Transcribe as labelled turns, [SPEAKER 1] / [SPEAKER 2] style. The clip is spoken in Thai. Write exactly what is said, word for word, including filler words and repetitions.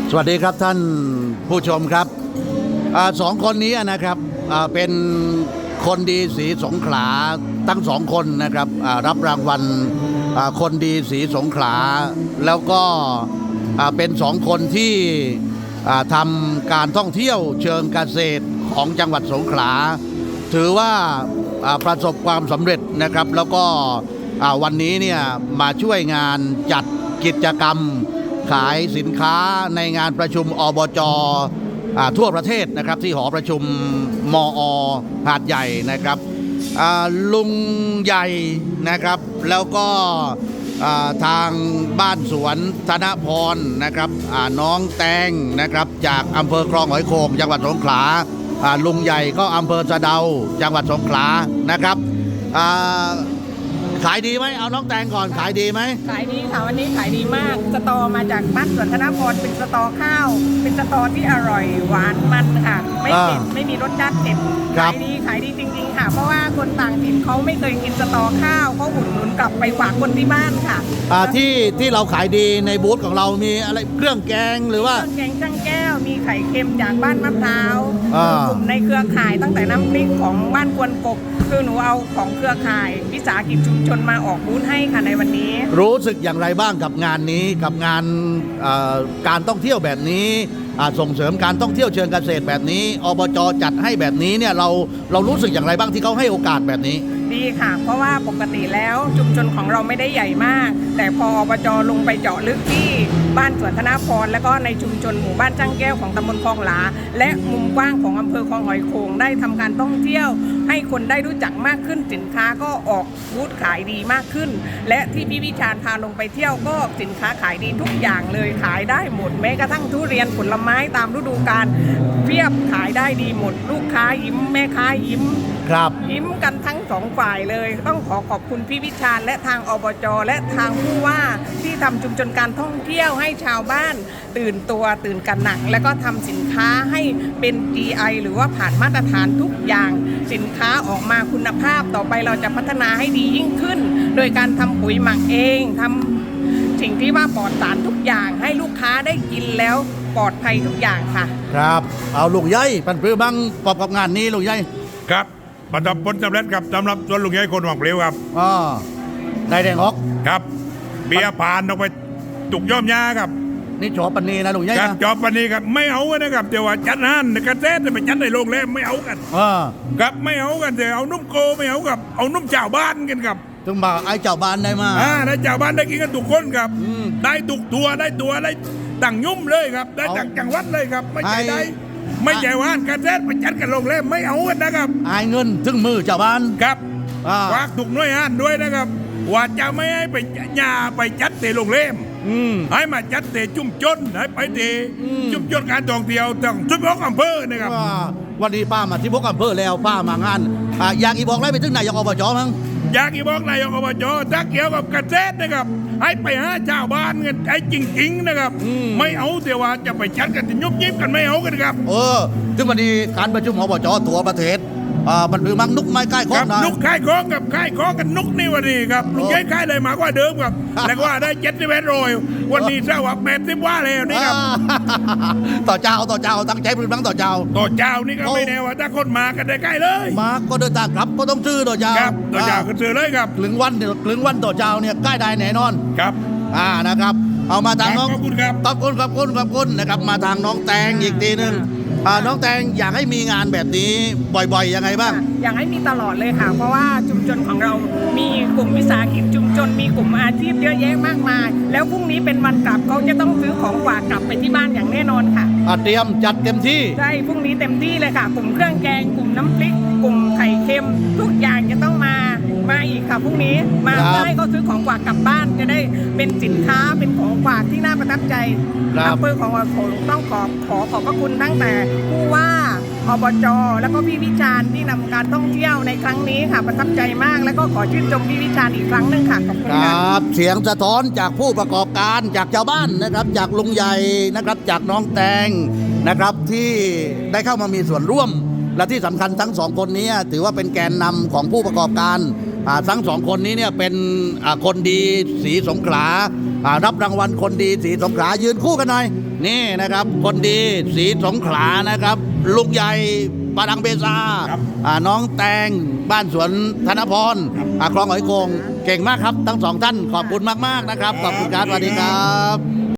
[SPEAKER 1] สวัสดีครับท่านผู้ชมครับอสองคนนี้นะครับเป็นคนดีศรีสงขลาทั้งสองคนนะครับรับรางวัลคนดีศรีสงขลาแล้วก็เป็นสองคนที่ทำการท่องเที่ยวเชิงเกษตรของจังหวัดสงขลาถือว่าประสบความสำเร็จนะครับแล้วก็วันนี้เนี่ยมาช่วยงานจัดกิจกรรมขายสินค้าในงานประชุมอบจ.ทั่วประเทศนะครับที่หอประชุมมอ.หาดใหญ่นะครับลุงใหญ่นะครับแล้วก็ทางบ้านสวนธนพรนะครับน้องแตงนะครับจากอำเภอคลองหอยโข่งจังหวัดสงขลาลุงใหญ่ก็อำเภอสะเดาจังหวัดสงขลานะครับขายดีไหมเอาน้องแตงก่อนขายดีไหม
[SPEAKER 2] ขายดีค่ะวันนี้ขายดีมากสตอมาจากบ้านสวนธนพรเป็นสตอข้าวเป็นสตอที่อร่อยหวานมันค่ะไม่เผ็ดไม่มีรสจัดเผ็ดขายดีขายดีจริงๆค่ะเพราะว่าคนต่างถิ่นเขาไม่เคยกินสตอข้าวเขาอุดหนุนกลับไปฝากคนที่บ้านค่ะ
[SPEAKER 1] ที่ที่เราขายดีในบูธของเรามีอะไรเครื่องแกงหรือว่า
[SPEAKER 2] เครื่องแกงช่างแก้วมีไข่เค็มจากบ้านมะพร้าวกลุ่มในเครือข่ายตั้งแต่น้ำพริกของบ้านกวนกบคือหนูเอาของเครือข่ายวิสาหกิจชุมชนมาออกบูธให้ค่ะในวันนี้
[SPEAKER 1] รู้สึกอย่างไรบ้างกับงานนี้กับงานการท่องเที่ยวแบบนี้ส่งเสริมการท่องเที่ยวเชิงเกษตรแบบนี้อบจ.จัดให้แบบนี้เนี่ยเราเรารู้สึกอย่างไรบ้างที่เขาให้โอกาสแบบนี้
[SPEAKER 2] ดีค่ะเพราะว่าปกติแล้วชุมชนของเราไม่ได้ใหญ่มากแต่พออบจ.ลงไปเจาะลึกที่บ้านสวนธนพรและก็ในชุมชนหมู่บ้านจ้างแก้วของตำบลคลองหลาและมุมกว้างของอำเภอคลองหอยโข่งได้ทำการท่องเที่ยวให้คนได้รู้จักมากขึ้นสินค้าก็ออกบูธขายดีมากขึ้นและที่พี่วิชาญพาลงไปเที่ยวก็สินค้าขายดีทุกอย่างเลยขายได้หมดแม้กระทั่งทุเรียนผลไม้ตามฤดูกาลเพียบขายได้ดีหมดลูกค้ายิ้มแม่ค้ายิ้ม
[SPEAKER 1] ครับ
[SPEAKER 2] ยิ้มกันทั้งสองฝ่ายเลยต้องขอขอบคุณพี่วิชาญและทางอบจ.และทางผู้ว่าที่ทำชุมชนการท่องเที่ยวให้ชาวบ้านตื่นตัวตื่นกันหนักและก็ทำสินค้าให้เป็น จี ไอ หรือว่าผ่านมาตรฐานทุกอย่างสินค้าออกมาคุณภาพต่อไปเราจะพัฒนาให้ดียิ่งขึ้นโดยการทำปุ๋ยหมักเองทำสิ่งที่ว่าปลอดสารทุกอย่างให้ลูกค้าได้กินแล้วปลอดภัยทุกอย่างค่ะ
[SPEAKER 1] ครับเอาลุงใหญ่ปันปลื้มบ้างประกอบงานนี้ลุงใหญ่
[SPEAKER 3] ครับประสบผลสำเร็จครับสำหรับส่วนลุงใหญ่คนหวังเปลวครับ
[SPEAKER 1] อ๋อได้แดงฮอก
[SPEAKER 3] ครับเบียร์ผ่านออกไปตุกย่อมยาครับ
[SPEAKER 1] นี่จอบปันนี้นะลุงใหญ่
[SPEAKER 3] ครับจอบปันนี้ครับไม่เอากันนะครับแต่ว่าจัดห้านกระเซ็ดไปจัดในโรงแรมไม่เอากัน
[SPEAKER 1] อ่า
[SPEAKER 3] ครับไม่เอากันแต่เอานุ่มโกไม่เอากับเอานุ่มเจ้าบ้านกันครับ
[SPEAKER 1] ถึงมาไอ้เจ้าบ้านได้มา
[SPEAKER 3] อ่าได้เจ้าบ้านได้กินกันทุกคนครับได้ตุกตัวได้ตัวได้ตั้งยุ่มเลยครับได้ตั้งจังหวัดเลยครับไม่ใช่ได้ไม่ใช่ว่านการเซ็ตไปจัดกันโรงแรมไม่เอากันนะครับ
[SPEAKER 1] ไอ้เงินถึงมือเจ้าบ้าน
[SPEAKER 3] ครับฝากถูกน้อยห้านด้วยนะครับว่าจะไม่ให้ไปยาไปจัดเตะโรงแรมให้มาจัดเตะจุ่มจนให้ไปเตะจุ่มจนการท่องเที่ยวต้องทุกพกอำเภอนะครับ
[SPEAKER 1] วันนี้ป้ามาที่พกอำเภอแล้วป้ามางานอยากอีบอกอะไรไปถึงนายกอบจ.มั้ง
[SPEAKER 3] อยากอีบอกนายกอบจ.ถ้าเกี่ยวกับเกษตรนะครับให้ไปหาชาวบ้านกันไอ้จริงๆนะครับไม่เอาแต่ว่าจะไปจัดกันจะยุบยิบกันไม่เอากันครับ
[SPEAKER 1] เออถึงวันนี้การประชุมอบจ.ทั่วประเทศอ่ามันคือมังนุกไม้ใกล้คล้อง
[SPEAKER 3] นะนุกใกล้คล้องกับใกล้คล้องกันนุกนี่วันนี้ครับลุงใหญ่ใกล้เลยมากกว่าเดิมครับแล้วว่าได้เจ็ดสิบเอ็ดโรยวันนี้เจ้าว่าแปดสิบว่าแล้วนี่ครับ
[SPEAKER 1] ต่อเจ้าต่อเจ้าตั้งใจพื้นบ้างต่อเจ้า
[SPEAKER 3] ต่อเจ้านี่ก็ไม่แน่ว่าถ้าคนมากันได้ใกล้เลย
[SPEAKER 1] มาก็เดินทางกลับก็ต้องซื้อต่อเจ้า
[SPEAKER 3] ครับต่อเจ้าก็ซื้อเลยครับ
[SPEAKER 1] ครึ่งวันครึ่งวันต่อเจ้าเนี่ยใกล้ได้แน่นอน
[SPEAKER 3] ครับ
[SPEAKER 1] อ่านะครับเอามาทางน้อง
[SPEAKER 3] ขอบคุณครับ
[SPEAKER 1] ขอบคุณขอบคุณขอบคุณนะครับมาทางน้องแตงอีกทีนึงน้องแตงอยากให้มีงานแบบนี้บ่อยๆยังไงบ้าง
[SPEAKER 2] อยากให้มีตลอดเลยค่ะเพราะว่าชุมชนของเรามีกลุ่มวิสาหกิจชุมชนมีกลุ่มอาชีพเยอะแยะมากมายแล้วพรุ่งนี้เป็นวันกลับเขาจะต้องซื้อของฝากกลับไปที่บ้านอย่างแน่นอนค่ะ
[SPEAKER 1] เตรียมจัดเต็มที่
[SPEAKER 2] ใช่พรุ่งนี้เต็มที่เลยค่ะกลุ่มเครื่องแกงกลุ่มน้ำพริกกลุ่มไข่เค็มทุกอย่างจะต้องมามาอีกค่ะพรุ่งนี้มาเพื่อให้เขาซื้อของฝากกลับบ้านจะได้เป็นสินค้าเป็นของฝากที่น่าประทับใจอำเภอของเราต้องขอขอขอบพระคุณตั้งแต่ผู้ว่าอบจ.แล้วก็พี่วิชาญที่นำการท่องเที่ยวในครั้งนี้ค่ะประทับใจมากแล้วก็ขอชื่นชมพี่วิชาญอีกครั้งหนึ่งค่ะขอบคุณ
[SPEAKER 1] ครับเสียงสะท้อนจากผู้ประกอบการจากชาวบ้านนะครับจากลุงใหญ่นะครับจากน้องแตงนะครับที่ได้เข้ามามีส่วนร่วมและที่สำคัญทั้งสองคนนี้ถือว่าเป็นแกนนำของผู้ประกอบการอ่าทั้งสองคนนี้เนี่ยเป็นอ่าคนดีสีสงขลาอ่ารับรางวัลคนดีสีสงขลายืนคู่กันหน่อยนี่นะครับ คนดีสีสงขลานะครับลุงใหญ่ปาดังเบซา
[SPEAKER 3] ครับ
[SPEAKER 1] อ่าน้องแตงบ้านสวนธนพร
[SPEAKER 3] ครับ
[SPEAKER 1] อ่าคลองหอยโกงเก่งมากครับทั้งสองท่านขอบคุณมากๆนะครับขอบคุณครับสวัสดีครับ